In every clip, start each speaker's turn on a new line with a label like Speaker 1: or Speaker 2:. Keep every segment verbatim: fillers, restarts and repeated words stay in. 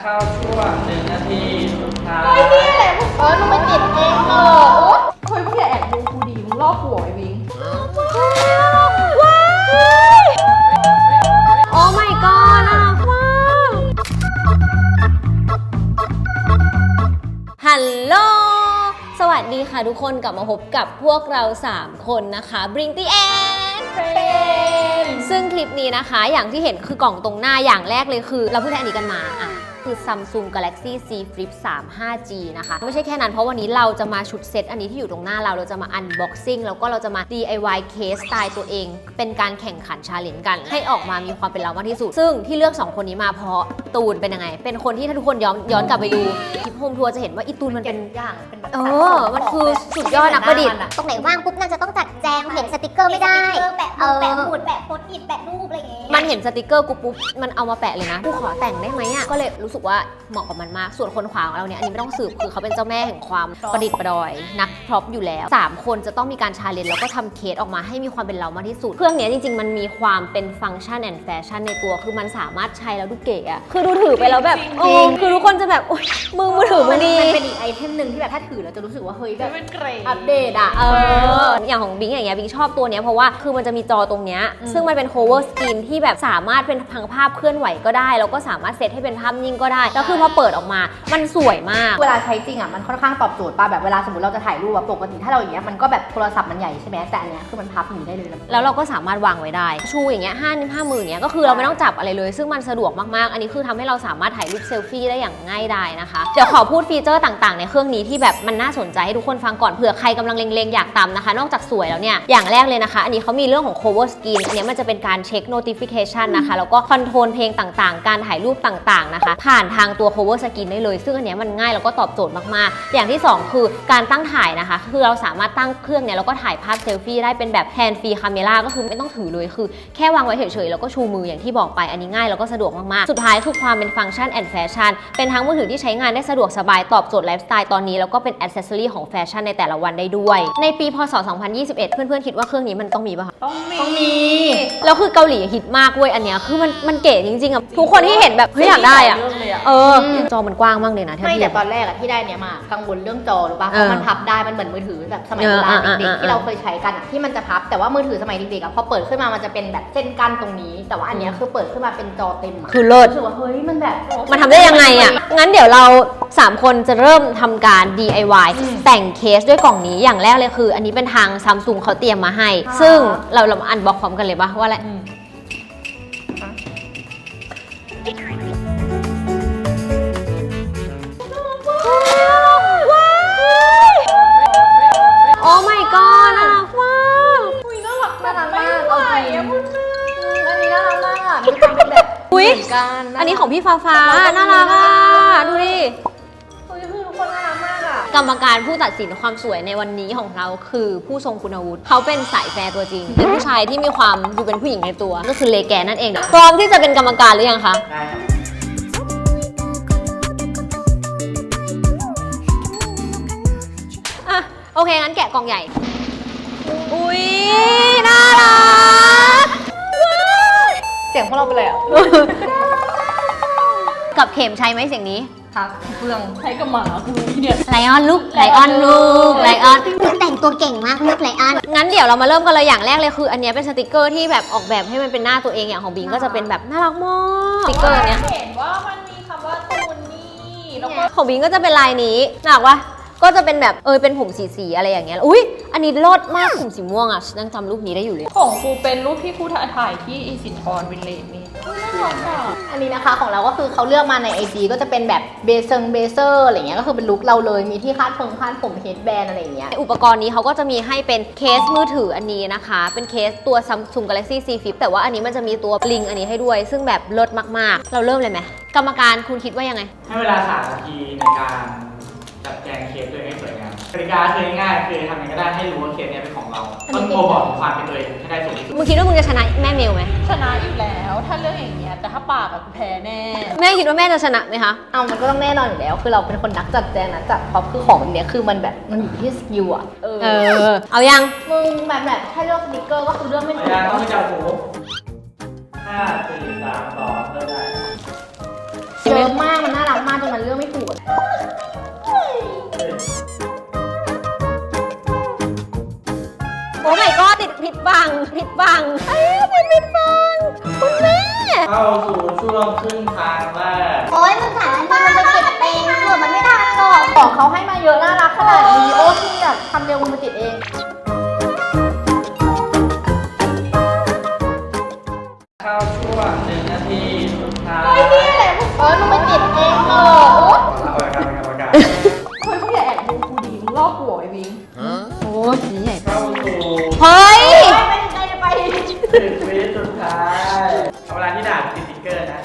Speaker 1: เข้าช่วงหนึ่งนาทีสุดท้าย
Speaker 2: เฮ้ยนี่แหละเออมึงไปติดเองเออเฮ้ยมึงอย่าแอบดูกูดีมึงลอกหัวไอ้วิง
Speaker 3: ว้ายโอ้ my god น่ารักมากฮัลโหลสวัสดีค่ะทุกคนกลับมาพบกับพวกเราสามคนนะคะ Bring the End ซึ่งคลิปนี้นะคะอย่างที่เห็นคือกล่องตรงหน้าอย่างแรกเลยคือเราเพิ่งได้อันนี้กันมาอ่ะคือ Samsung Galaxy Z Flip สาม ห้าจี นะคะไม่ใช่แค่นั้นเพราะวันนี้เราจะมาชุดเซตอันนี้ที่อยู่ตรงหน้าเราเราจะมา unboxing แล้วก็เราจะมา ดี ไอ วาย เคสสไตล์ตัวเองเป็นการแข่งขันชาเลนจ์กันให้ออกมามีความเป็นเรามากที่สุดซึ่งที่เลือกสองคนนี้มาเพราะตูนเป็นยังไงเป็นคนที่ถ้าทุกคนย้อนย้อนกลับไปดูคลิปโฮมทัวร์จะเห็นว่าอีตูนมันเป็น
Speaker 2: อย่างเป็นแบบ
Speaker 3: เออมันคือสุดยอดนักประดิษฐ์
Speaker 4: ตรงไหนว่างปุ๊บน่าจะต้องจัดแจงเห็นสติกเกอร์ไม่ได้แปะแปะหมุดแปะโพสต์อิทแปะรูปอะไรอย่างเงี้ย
Speaker 3: มันเห็นสติกเกอร์กูปุ๊บมันเอามาแปะเลยนะกูขอแต่งได้ไหมอ่ะก็เลยรู้สึกว่าเหมาะกับมันมากส่วนคนขวาของเราเนี่ยอันนี้ไม่ต้องสืบคือเขาเป็นเจ้าแม่แห่งความประดิษฐ์ประดอยนักพร็อพอยู่แล้วสามคนจะต้องมีการชาเลนจ์แล้วก็ทำเคสออกมาให้มีความเป็นเรามากที่สุดเครื่องนี้จริงๆมันมีความเป็นฟังก์ชันแอนด์แฟชั่นในตัวคือมันสามารถใช้แล้วดูเก๋อะคือดูถือไปแล้วแบบโอ้คือทุกคนจะแบบโอ๊ยมือมือถือมันดี
Speaker 2: มันเป็นอีกไอเทมหนึ่งที่แบบถ้าถือแล้วจะรู้สึกว่าเฮ้ยแบบอัปเดตอะ
Speaker 3: เอออย่างของบิงอย่างเงี้ยบิงชอบตัวเนี้ยเพราะว่าคือมันจะมีจอตรงเนี้ยซึ่งมันเป็น cover screen ที่แบบสามารถเป็นพังภาพเคลื่อนไหวก็ได้แล้วก็สามารถเซตให้เป็นภาพนิ่งก็ได้แล้วคือพอเปิดออกมามันสวยมาก
Speaker 2: เวลาใช้จริงอะมันค่อนข้างตอบโจทย์ป่ะแบบเวลาสมมติเราจะถ่ายรูปแบบปกติถ้าเราอย่างเงี้ยมันก็แบบโทรศัพท์มันใหญ่ใช่ไหมแต่อันเนี้ยคือมันพับหนีได้เลย
Speaker 3: แล้วเราก็สามารถวางไว้ได้ชูอย่างเงี้ยห้านิ้วห้ามืออย่างเงี้ยก็คือเราไม่ต้องจับอะไรเลยซึ่งมันสะดวกมากๆอันนี้คือทำให้เราสามารถถ่ายรูปเซลฟี่ได้อย่างง่ายดายนะคะเดี๋ยวขอพูดฟีเจอร์ต่างๆในเครื่องนี้ที่แบบมันน่าสนใจให้ทุกคนฟังก่อนเผื่อใครกำลังเล็งๆอยากตามนะคะนอกจากสวยแล้วเนี่ยอย่างแรกเลยนะคะอันนี้เขามีเรื่องของ cover screen อันนี้มันจะเป็นการเช็ค notification นะคะแล้วก็คอนโทรลเพลงต่างๆการถ่ายรูปต่างๆนะคะผ่านทางตัว cover screen ได้เลยซึ่งอันนี้มันง่ายแล้วก็ตอบโจทย์มากๆอย่างที่สองคือการตั้งถ่ายนะคะคือเราสามารถตั้งเครื่องเนี่ยแล้วก็ถ่ายภาพเซลฟี่ได้เป็นแบบ hand free camera ก็คือไม่ต้องถือเลยคือแค่วางไว้เฉยๆแล้วก็ชูมืออย่างที่บอกไปอันนี้ง่ายแล้วก็สะดวกมากๆสุดท้ายคือความเป็นฟังก์ชันแอนด์แฟชั่นเป็นทั้งมือถือที่ใช้งานได้สะดวกสบายตอบโจทย์ไลฟ์สไตล์ตอนนี้แล้วก็เป็นแอ c เซสซอรี่ของแฟชั่นในแต่ละวันได้ด้วยในปีพศสองพันยี่สิบเอ็ดเพื่อนๆคิดว่าเครื่องนี้มันต้องมีป่ะคะ
Speaker 2: ต้องมีต้องมี
Speaker 3: แล้วคือเกาหลีฮิตมากเว้ยอันเนี้ยคือมันมันเก๋จริงๆอ่ะทุกคนที่เห็นแบบเฮ้ยอยากได้อ่ะเออจอมันกว้างมากเลยนะ
Speaker 2: ไม่แต่ตอนแรกอะที่ได้เนี้ยมากังวลเรื่องจอหรือป่ะเพราะมันพับได้มันเหมือนมือถือแบบสมัยโบราณเด็กๆที่เราเคยใช้กันอะที่มันจะพับแต่ว่ามือถือสมัยเด็กๆอะพอเปิดขึ้นมามันจะเป็นแบบเส้นกั้นตรงนี้แต่ว่าอันเนี้ยคือเปิดขึ้นมาเป็นจอเต็ม
Speaker 3: คือเลิศ
Speaker 2: รู้สึกว่าเฮ้ยมันแบบ
Speaker 3: มันทำได้ยังไงอ่ะงั้นเดี๋ยวเราสามคนจะเริ่มทำการ ดี ไอ วาย แต่งเคสด้วยกล่องนี้อย่างแรกเลยคืออันนี้เป็นทาง Samsung เขาเตรียมมาให้ซึ่งเราเรามาอันบ็อกพร้อมกันเลยป่ะว่าอะไรโอ้ my god น่ารักมาก
Speaker 2: อุ้ยน่ารักน่ารักมากเอาจริงอันนี้น่ารักมากอ่ะมีความเป็นแบบ
Speaker 3: อุ้ยอันนี้ของพี่ฟ้าฟ้าน่ารักอ่ะดูดิ
Speaker 2: คือคือทุกคนน่ารักมากอ่ะ
Speaker 3: กรรมการผู้ตัดสินความสวยในวันนี้ของเราคือผู้ทรงคุณวุฒิเขาเป็นสายแฟร์ตัวจริงเป็นผู้ชายที่มีความดูเป็นผู้หญิงในตัวก็คือเลแกนนั่นเองพร้อมที่จะเป็นกรรมการหรือยังคะ
Speaker 1: ได้ครับ
Speaker 3: อ่ะโอเคงั้นแกะกล่องใหญ่อุ้ยน่ารัก
Speaker 2: เสียงพวกเราไปเลยอ่ะ
Speaker 3: กับเข็มใช้ไหมเสียงนี้
Speaker 2: ครับเฟืองใช้กับหมาคือเนี่ย
Speaker 3: ไลออนลูกไลออนลูกไลออน
Speaker 4: แต่งตัวเก่งมากลูกไลออน
Speaker 3: งั้นเดี๋ยวเรามาเริ่มกันเลยอย่างแรกเลยคืออันนี้เป็นสติกเกอร์ที่แบบออกแบบให้มันเป็นหน้าตัวเองอย่างของบิงก็จะเป็นแบบน่ารักมากสติกเกอร์เนี้ย
Speaker 2: เห็นว่ามันมีคำว่าตูนนี่แล้วก็
Speaker 3: ของบิงก็จะเป็นลายนี้น่ารักวะก็จะเป็นแบบเออเป็นผมสีๆอะไรอย่างเงี้ยอุ้ยอันนี้รสมากผมสีม่วงอ่ะยังจำรูปนี้ได้อยู่เลย
Speaker 2: ของกูเป็นรูปที่กูถ่ายที่อีสินทรวินเลจนี่อันนี้นะคะของเราก็คือเขาเลือกมาใน ไอ จี ก็จะเป็นแบบเบเซงเบเซอร์อะไรเงี้ยก็คือเป็นลุคเราเลยมีที่คาดผมคาดผมเฮดแบนอะไรเงี้ย
Speaker 3: อุปกรณ์นี้เขาก็จะมีให้เป็นเคสมือถืออันนี้นะคะเป็นเคสตัว Samsung Galaxy Z Flip แต่ว่าอันนี้มันจะมีตัวลิงอันนี้ให้ด้วยซึ่งแบบเลิศมากๆเราเริ่มเลยไหมกรรมการคุณคิดว่ายังไง
Speaker 1: ให้เวลาสามนาทีในการจัดแจงเคสตัวเองให้สวยงามกติกาคือง่ายๆคือทำยังไงก็ได้ให้รู้ว่าเคสนี้เป็นของเราต้องโกบอกถึงความเป็นตัวเองให้ได้สูงที่สุด
Speaker 3: มึงคิดว่ามึงจะชนะแม่เมลไหม
Speaker 2: ชนะอยู่แล้วถ้าเรื่องอย่างเงี้ยแต่ถ้าปากอะกูแพ้แน่
Speaker 3: แม่คิดว่าแม่จะชนะไหมคะ
Speaker 2: เอามันก็ต้องแน่นอนอยู่แล้วคือเราเป็นคนนักจัดแจงนะจัดพร็อพคือของแบบเนี้ยคือมันแบบมันอยู่ที่สกิลอะ
Speaker 3: เออเอายัง
Speaker 2: มึงแบบแบบถ้าเลือกสติกเกอร์ก็คือเรื่องไม่ถูก
Speaker 1: ต้องไม่จับหูห้าสี่สามสองเริ่มได้
Speaker 2: เยอะมากมันน่ารักมากจนมันเลือกไม่ถูก
Speaker 3: โอ้ my god ติดผิดบังผิดบังเอ้ยติดผิดบังคุณแม่
Speaker 1: เข้าสู่ช่วงครึ่งทางแรก
Speaker 4: โอ้ยมึงสารอันนี้มันไปเก็บเองเผื่อมันไม่ทันหรอก
Speaker 2: ของเขาให้มาเยอะน่ารักขนาดนี้โอ้ที่แบบทำเร็วมึงมาติดเอง
Speaker 1: เข้าช่วงหนึ่งนาทีสุดท้าย
Speaker 2: เฮ้ยนี่แหละเออมึงมาติดเองเออโอ้
Speaker 1: เอาละครับเอาละครับ
Speaker 2: เฮ้ยเขาอย่าแอบดูกูดีมึงลอกหัวไอ้วิงโอ้ยใหญ่
Speaker 1: เข้าสู่
Speaker 3: เฮ้ย
Speaker 2: ไปไปไป
Speaker 1: สิบวิสุดท้ายเอาเวลาที่ด่าติดสติ๊กเกอร์นะ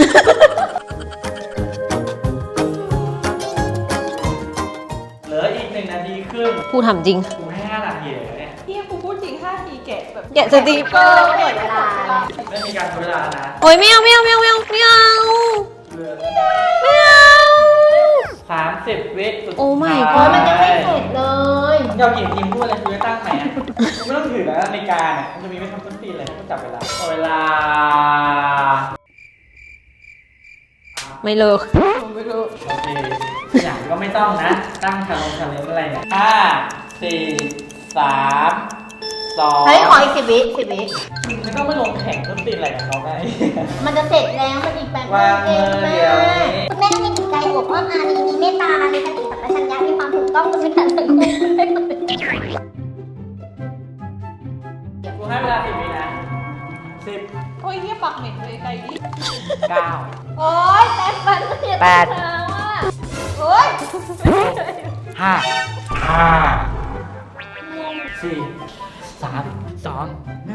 Speaker 1: เหลืออีกหนึ่งนาทีครึ่ง
Speaker 3: พูดทำจริง
Speaker 1: กูให้ห้านาทีเลยเนี่ย
Speaker 2: พี่กูพูดจริงห้าทีแกะแบบ
Speaker 3: แกะสติกเกอร์
Speaker 2: หมดเวลา
Speaker 1: ไม่มีการทดเวลานะ
Speaker 3: โอ้ยไม่เอาไม่เอาไม่เอาไม่เอาไม่เอา
Speaker 1: เหลือ
Speaker 3: ไม่เอา
Speaker 1: สามสิบวิสุด
Speaker 3: โอ้ my
Speaker 2: โอ้ยมันยังไม่เสร็จเลย
Speaker 1: เดี๋ยวกี่ทีมพูดอะไรกูจะตั้งไหนอ่ะกูไม่ต้องถือแล้วนาฬิกาเนี่ยมันจะมีไม่ทำต้นปีเลยกูจับเวลาเอาเวลา
Speaker 3: ไม่เลิก
Speaker 2: ไม่รู้
Speaker 1: โอเคอย่างก็ไม่ต้องนะ ตั้งชาลงชาเลนจ์อะไรเนี่ยห้าสี่สามสอง
Speaker 2: เฮ้ยขออีกสิบวิสิบวิ
Speaker 1: ไม่ต้องมาลงแข่งต้นปีอะไรกับเขาไง
Speaker 2: มันจะเสร็จแล้วมันอีกแป๊บ
Speaker 1: วาง
Speaker 2: เอ
Speaker 1: มื
Speaker 2: ง
Speaker 1: อ
Speaker 2: แม่
Speaker 1: เดียวนี้
Speaker 4: คุณแม่มีจิตใจอวบอ้อมอารีมีเมตตา มีสติสัมปชัญญะ มีความถูกต้องบนพื้นฐานสังคมได้หมดเลย
Speaker 1: กูให้เวลาสิบวินะสิบ
Speaker 2: โอ้ยเฮียปากเหม็นเลยไกลดิ
Speaker 1: เก้า
Speaker 2: โอ้ยแป๊บมันเสีย
Speaker 1: แปด
Speaker 2: ตาว่ะโอ้ย
Speaker 1: ห้าห้าสี่สามสอง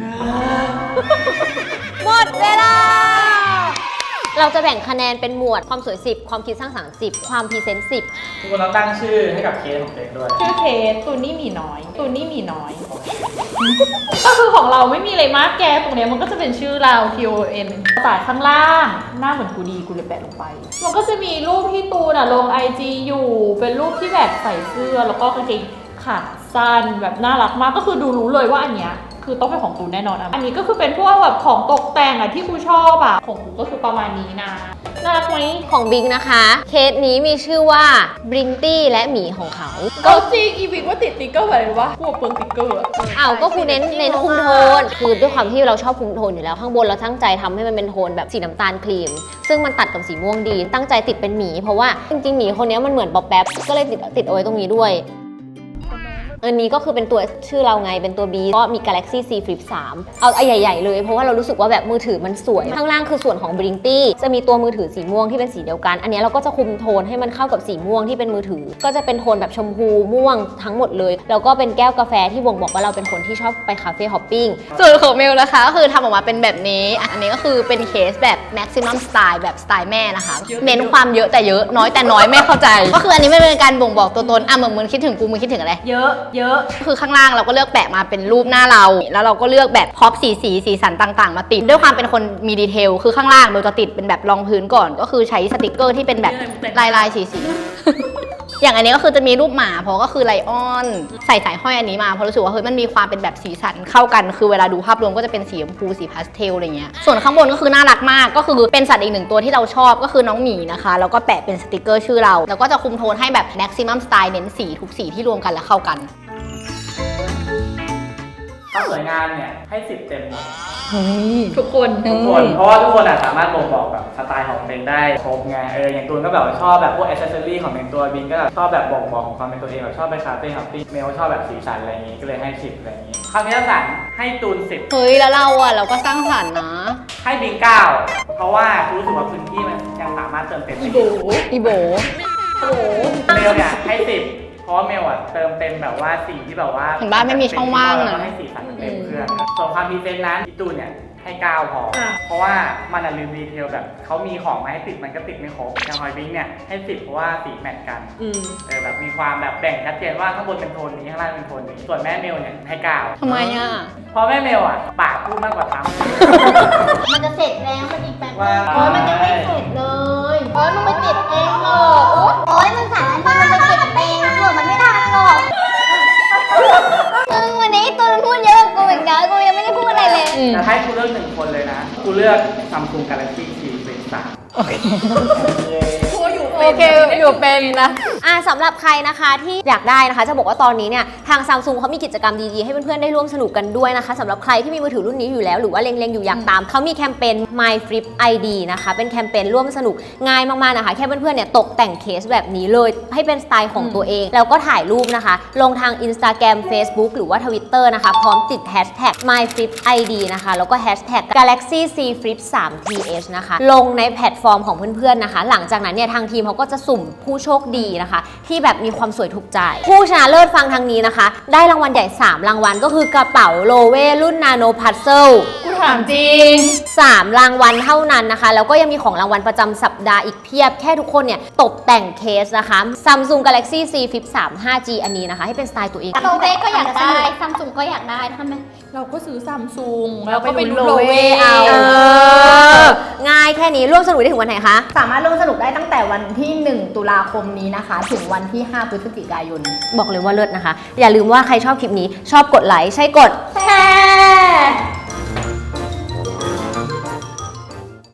Speaker 3: หมดเวลา เราจะแบ่งคะแนนเป็นหมวดความสวยสิบความคิดสร้างสรรค์สิบความพรีเซนต์สิบ
Speaker 1: ทุกคนต้องตั้งชื่อให้กับเคสของตัวเองด้วย
Speaker 5: ชื่อเคสตูนี่หมีน้อย ตูนี่หมีน้อย ก็คือของเราไม่มีอะไรมากแกตรงเนี้ยมันก็จะเป็นชื่อเรา T O N สายข้างล่างหน้าเหมือนกูดีกูเลยแปะลงไป มันก็จะมีรูปที่ตูนอะลง ไอ จี อยู่เป็นรูปที่แบบใส่เสื้อแล้วก็กางเกงขาสั้นแบบน่ารักมากก็คือดูรู้เลยว่าอันเนี้ยคือต้องเป็นของตูนแน่นอนอะอันนี้ก็คือเป็นพวกแบบของตกแต่งอะที่กูชอบอะของกูก็คือประมาณนี้นะน่ารักไหม
Speaker 3: ของบิ๊กนะคะ เคสนี้มีชื่อว่าบริงตี้และหมีของเขา
Speaker 5: ก็จริงอีวิกว่าติดติ๊กเกอร์อะไรรู้ปะพวกเปิงติ๊กเกอร์อะ
Speaker 3: อ้าวก็คือเน้นเน้นคุมโทน คือด้วยความที่เราชอบคุมโทนอยู่แล้วข้างบนเราตั้งใจทำให้มันเป็นโทนแบบสีน้ำตาลครีม ซึ่งมันตัดกับสีม่วงดี ตั้งใจติดเป็นหมีเพราะว่าจริงๆหมีคนนี้มันเหมือนป๊อปแป๊บก็เลยติดติดเอาไว้ตรงนี้ด้วยอันนี้ก็คือเป็นตัวชื่อเราไงเป็นตัว B ก็มี Galaxy Z Flip สามเอาไอ้ใหญ่ๆเลยเพราะว่าเรารู้สึกว่าแบบมือถือมันสวยข้างล่างคือส่วนของ b r i n g t y จะมีตัวมือถือสีม่วงที่เป็นสีเดียวกันอันนี้เราก็จะคุมโทนให้มันเข้ากับสีม่วงที่เป็นมือถือก็จะเป็นโทนแบบชมพูม่วงทั้งหมดเลยแล้วก็เป็นแก้วกาแฟที่บ่งบอกว่าเราเป็นคนที่ชอบไปคาเฟ่ฮอปปิ้ง
Speaker 2: ส่วนของเมลนะคะก็คือทำออกมาเป็นแบบนี้อ่ะอันนี้ก็คือเป็นเคสแบบ maximum style แบบสไตล์แม่นะคะเน้นความเยอะแต่เยอะน้อยแต่น้อยแม่เข้าใจ ก็คืออันนี้ไม่เป็นการบ่งบอกตัวตนอ่ะเหมือนมึงคิดถึงกูมึงคิดถึงอะไร
Speaker 5: เยอะเยอะ
Speaker 2: คือข้างล่างเราก็เลือกแปะมาเป็นรูปหน้าเรา แล้วเราก็เลือกแบบพร็อพสีสีสีสันต่างๆ มาติดด้วยความเป็นคนมีดีเทลคือข้างล่างเราจะติดเป็นแบบรองพื้นก่อน ก็คือใช้สติกเกอร์ที่เป็นแบบลายลายสีสี อย่างอันนี้ก็คือจะมีรูปหมาเพราะก็คือไลออนใส่สายห้อยอันนี้มาเพราะรู้สึกว่าเฮ้ยมันมีความเป็นแบบสีสันเข้ากัน คือเวลาดูภาพรวมก็จะเป็นสีชมพูสีพาสเทลอะไรเงี้ยส่วนข้างบนก็คือน่ารักมากก็คือเป็นสัตว์อีกหนึ่งตัวที่เราชอบก็คือน้องหมีนะคะแล้วก็แปะเป็นสติกเกอร์ชื่อเราแล้วก็จะคุมโทนให้แบบ maximum style เน้นสีทุกสีที่รวมกันแล้วเข้ากัน
Speaker 1: ความสวยงามเนี่ยให้สิบเต็มหมด
Speaker 5: ทุกคน
Speaker 1: ทุกคนเพราะว่าทุกคนอะสามารถบ่งบอกแบบสไตล์ของตัวเองได้ครบไงเอออย่างตูนก็แบบว่าชอบแบบพวกอ c เซสซอรี่ของเป็นตัวบินก็แบบชอบแบบบ่งบอกของความเป็นตัวเองแบบชอบไปคาเฟ่ฮับปี้เมลชอบแบบสีสันอะไรอย่างงี้ก็เลยให้สิบอะไรอย่างงี้คำนิสสันให้ตูนสิบ
Speaker 2: เฮ้ยแล้วเราอ่ะเราก็สร้างสรรค์นะ
Speaker 1: ให้บิงเก้าเพราะว่ารู้สึกว่าพื้นที่มันยังสามารถเติมเต็มได้
Speaker 5: อีโบ
Speaker 2: อีโบ
Speaker 5: โอ้โห
Speaker 1: เมลเนี่ยให้สิบเพราะว่าเมลอะเติมเต็มแบบว่าสีที่แบบว่า
Speaker 2: เห็นบ้านไม่มีช่องว่างนะ
Speaker 1: แล้วก็ให้สีสันเต็มเครื่องส่วนความพรีเซนต์นั้นพี่ตูนเนี่ยให้เก้าพอ เพราะว่ามันอะลืมดีเทลแบบเขามีของมาให้ติดมันก็ติดไม่ครบอย่างหอยบิงเนี่ยให้สิบเพราะว่าสีแมทกัน
Speaker 5: อืม
Speaker 1: เออแบบมีความแบบแบ่งชัดเจนว่าข้างบนเป็นโทนนี้ข้างล่างเป็นโทนนี้ส่วนแม่เมลเนี่ยให้เก้า
Speaker 2: ทำไมอ่ะ
Speaker 1: เพราะแม่เมลอ่ะปากพูดมากกว่าท
Speaker 2: มันจะเสร็จแล้วมันอีกแป๊บ
Speaker 1: ว่า
Speaker 2: โอ้ยมันยังไม่เสร็จเลยโอ้ยมึงไปติดเองเถอะโอ๊ย
Speaker 4: โอ้ยมึงสารอันนี้มันไปเก็บเองเผื่อมันไม่ทันหรอกมึงวันนี้ตูนพูดเยอะกว่ากูอีกนะกูยังไม่ได้พูดอะไรเลย
Speaker 1: ำแต่ให้กูเลือกหนึ่งคนเลยนะกูเลือก Samsung Galaxy Z Flip สาม
Speaker 2: เอโอเคอยู่เป็นนะ
Speaker 3: อ่าสำหรับใครนะคะที่อยากได้นะคะจะบอกว่าตอนนี้เนี่ยทาง Samsung เขามีกิจกรรมดีๆให้เพื่อนๆได้ร่วมสนุกกันด้วยนะคะสำหรับใครที่มีมือถือรุ่นนี้อยู่แล้วหรือว่าเล็งๆอยู่อยากตามเขามีแคมเปญ My Flip ไอ ดี นะคะเป็นแคมเปญร่วมสนุกง่ายมากๆนะคะแค่เพื่อนๆเนี่ยตกแต่งเคสแบบนี้เลยให้เป็นสไตล์ของตัวเองแล้วก็ถ่ายรูปนะคะลงทาง Instagram Facebook หรือว่า Twitter นะคะพร้อมติด Hashtag My Flip ไอ ดี นะคะแล้วก็ Hashtag Galaxy Z Flip ทรี ที เอช นะคะลงในแพลตฟอร์มของเพื่อนๆนะคะหลังจากนั้นเนี่ยทางทีมเขาก็จะสุ่มผู้โชคดีนะคะที่แบบมีความสวยถูกใจผู้ชนะเลิศฟังทางนี้นะคะได้รางวัลใหญ่สามรางวัลก็คือกระเป๋าโลเวรุ่นนาโนพัซเซิล
Speaker 5: กูถามจริง
Speaker 3: สามรางวัลเท่านั้นนะคะแล้วก็ยังมีของรางวัลประจำสัปดาห์อีกเพียบแค่ทุกคนเนี่ยตกแต่งเคสนะคะ Samsung Galaxy Z Flip ทรี ไฟว์ จี อันนี้นะคะให้เป็นสไตล์ตัวเอง
Speaker 4: โลเวก็อยากได้ซัมซุงก็อยากได้ทำไม
Speaker 5: เราก็ซื้อซัมซุง
Speaker 2: เรา
Speaker 5: แล้ว
Speaker 2: ไป
Speaker 5: ก็ไป
Speaker 2: ดู
Speaker 5: ดู
Speaker 2: โล
Speaker 5: โล
Speaker 2: เว
Speaker 5: เว
Speaker 2: เอา
Speaker 5: เอา
Speaker 3: เออง่ายแค่นี้ร่วมสนุกได้ถึงวันไหนคะ
Speaker 2: สามารถร่วมสนุกได้ตั้งแต่วันที่หนึ่งตุลาคมนี้นะคะถึงวันที่ห้าพฤศจิกายน
Speaker 3: บอกเลยว่าเลิศนะคะอย่าลืมว่าใครชอบคลิปนี้ชอบกดไลค์ใช่กด
Speaker 2: แชร์